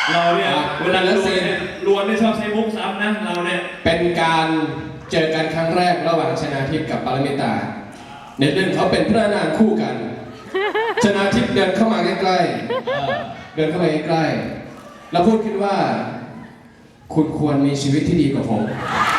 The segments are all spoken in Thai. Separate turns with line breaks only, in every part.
เราเนี่ยเวลาล้วนเนี่ยชอบใช้มุกซ้ำนะเราเนี่ย
เป็นการเจอกันครั้งแรกระหว่างชนาทิพย์กับปรมิตาในเรื่องเขาเป็นพระนางคู่กันชนาทิพย์เดินเข้ามาใกล้ๆเดินเข้ามาใกล้ๆแล้วพูดขึ้นว่าคุณควรมีชีวิตที่ดีกว่าผม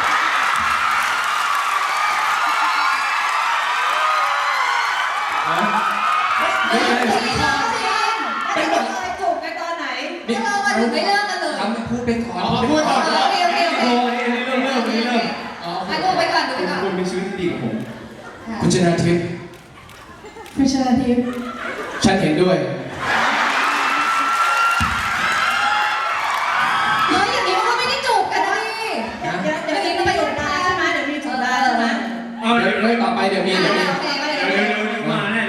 เป็นแบบจูบกันตอนไหนเรามาถึงไม่เลิกกันเลย
ทำพูดไปก่อน
พูดก่อนโอเค
โอ้ยนี่เริ่ม
ดูไปก่อน
คุณมีชีวิตที่ดีกับผม
คุณชนาทิพย์
คุณชนาทิพย์
ฉันเห็นด้วย
เฮ้ยอย่างนี้ก็ไม่ได้จูบกันนะพี่เดี๋ยวนี้ก็ไปจูบได้ใช่ไหมเดี๋ยวมีจูบได้ใช่ไหม
เดี๋ยวต่อไปเดี๋ยวมี
มาแน่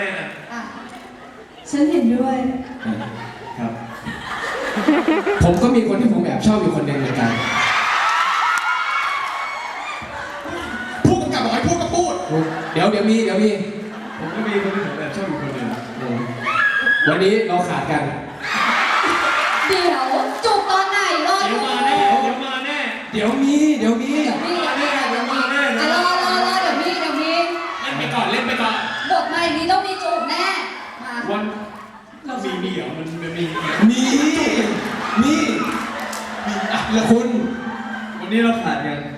ฉันเห็นด้วย
ครับ
ผมก็มีคนที่ผมแอบชอบอยู่คนหนึ่งเหมือนกัน
พูดกับบอกให้พูดก็พูด
เดี๋ยวมี
ผมก็มีคนที่ผมแอบชอบอยู่คนหนึ่ง
วันนี้เราขาดกัน
เดี๋ยวจูบตอนไหนรอดู
เดี๋ยวมี
รอเดี๋ยวมี
เล่นไปก่อน
บทมาอย่างนี้ต้องมีจูบแน่
วันมีเหรอมัน
มีแล้วคุณ
วันนี้เราขาดกัน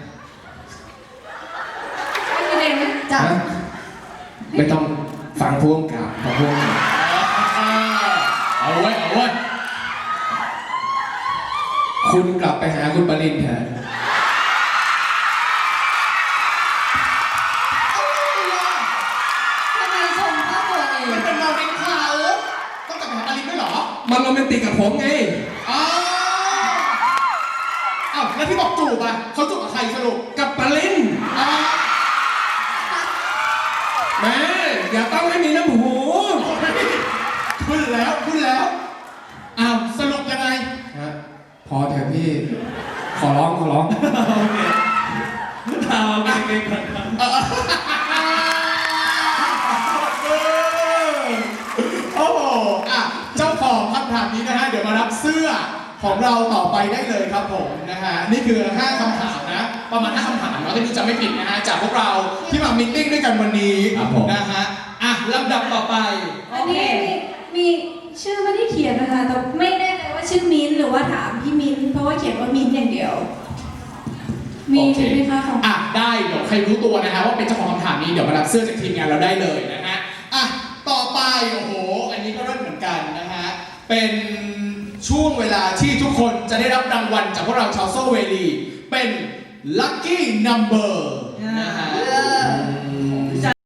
ไม่เด่นจับ
ไม่ต้องฟังพวงกับเอาไว้คุณกลับไปหาคุณปรินเถอะ
ทำไมชมภาพตัวเอง
มันเป็นโมเมนต์เขาต้องกลับไปหาปารินด้วยเหรอ
มันโรแมนติกกับผมไง
อ้าวแล้วที่บอกจูบอ่ะเขาจูบกับใครสรุป
กับปรินแม่อย่าต้องให้มีน้ำหู
ขึ้นแล้วอ้าวสรุปยังไง
พอเถอะพี่ขอร้อง
โอเค
โอ้โหเจ้าของคำถามนี้นะฮะเดี๋ยวมารับเสื้อของเราต่อไปได้เลยครับผมนะฮะนี่คือ5คำถามนะประมาณ5คำถามเนาะถ้าดูจะไม่ผิดนะฮะจากพวกเราที่มามีตติ้งด้วยกันวันนี้นะฮะลำดับต่อไป
อันนี้มีชื่อไม่ได้เขียนนะคะแต่ไม่แน่ใจว่าชื่อมิ้นหรือว่าถามพี่มิ้นเพราะว่าเขียนว่ามิ้นอย่างเดียวมีไหมคะของ
ได้เดี๋ยวใครรู้ตัวนะฮะว่าเป็นเจ้าของคำถามนี้เดี๋ยวมารับเสื้อจากทีมงานเราได้เลยนะฮะต่อไปโอ้โหอันนี้ก็เริ่มเหมือนกันนะฮะเป็นช่วงเวลาที่ทุกคนจะได้รับรางวัลจากพวกเราชาวโซเวลีเป็น Lucky Number